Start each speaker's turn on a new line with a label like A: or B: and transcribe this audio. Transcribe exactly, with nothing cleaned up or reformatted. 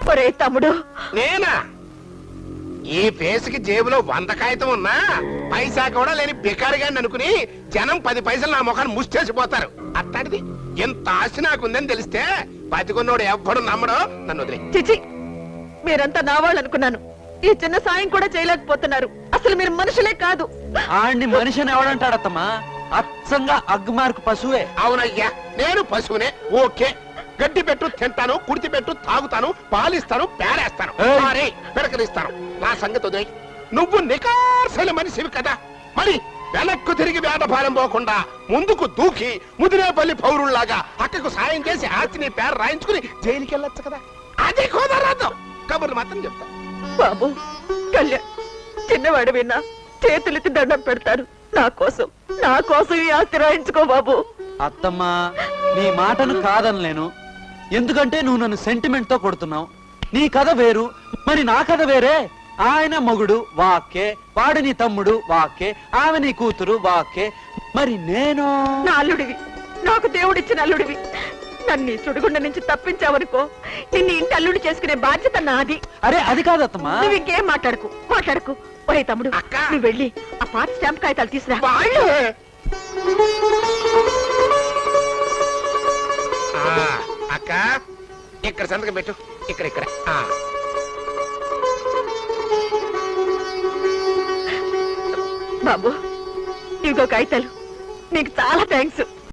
A: ఒరే తమ్ముడు,
B: నేనా? ఈ పేసుకి జేబులో వంద కాగితం ఉన్నా పైసా కూడా లేని బికారిగాని అనుకుని జనం పది పైసలు నా ముఖాన్ని ముష్టేసిపోతారు. అట్లాంటిది ఎంత ఆశ నాకుందని తెలిస్తే బతికున్నోడు ఎవ్వడు నమ్మడో. నన్ను వదిలే.
A: చిచి, మీరంతా నా వాళ్ళు అనుకున్నాను. ఈ చిన్న సాయం కూడా చేయలేకపోతున్నారు. అసలు మీరు మనుషులే కాదు.
C: ఆడిని మనిషిని ఎవడంటాడత్తమ్మా? అచ్చంగా అగ్మార్కు పశువే.
B: అవునయ్యా, నేను పశువునే. ఓకే, గడ్డి పెట్టు తింటాను, కుడితి పెట్టు తాగుతాను, పాలిస్తాను, పేరేస్తాను, పెరకరిస్తాను. నా సంగతి వదిలే. నువ్వు నికార్సైన మనిషివి కదా, మరి వెనక్కు తిరిగి వేటభారం పోకుండా ముందుకు దూకి ముదిరేపల్లి పౌరుల్లాగా అక్కకు సాయం చేసి ఆస్తిని పేరు రాయించుకుని జైలుకి వెళ్ళొచ్చు కదా. అది కుదరదు. కబుర్లు మాత్రం చెప్తా.
A: బాబు కళ్యాణ్, చిన్నవాడు విన్నా చేతులెత్తి దండం పెడతారు. నా కోసం నా కోసం ఈ ఆస్తి రాయించుకో బాబు.
C: అత్తమ్మా, నీ మాటను కాదనలేను. ఎందుకంటే నువ్వు నన్ను సెంటిమెంట్ తో కొడుతున్నావు. నీ కథ వేరు, మరి నా కథ వేరే. ఆయన మొగుడు వాక్కే, వాడు నీ తమ్ముడు వాక్కే, ఆమె నీ కూతురు వాక్కే. మరి నేను
A: నా అల్లుడివి, నాకు దేవుడిచ్చిన అల్లుడివి. నన్ను సుడిగుండ నుంచి తప్పించావనుకో, నిన్ను ఇంటి అల్లుడు చేసుకునే బాధ్యత నాది.
C: అరే అది కాదత్తమ్మా.
A: నువ్వు ఇంకేం మాట్లాడుకు మాట్లాడుకు ఒరే తమ్ముడు, నువ్వు వెళ్ళి ఆ పాత స్టాంప్ కాగితాలు తీసురా.
B: అక్క, ఇక్కడ సంతకం పెట్టు. ఇక్కడ ఇక్కడ
A: బాబు, ఇంకో కాగితాలు. నీకు చాలా థ్యాంక్స్.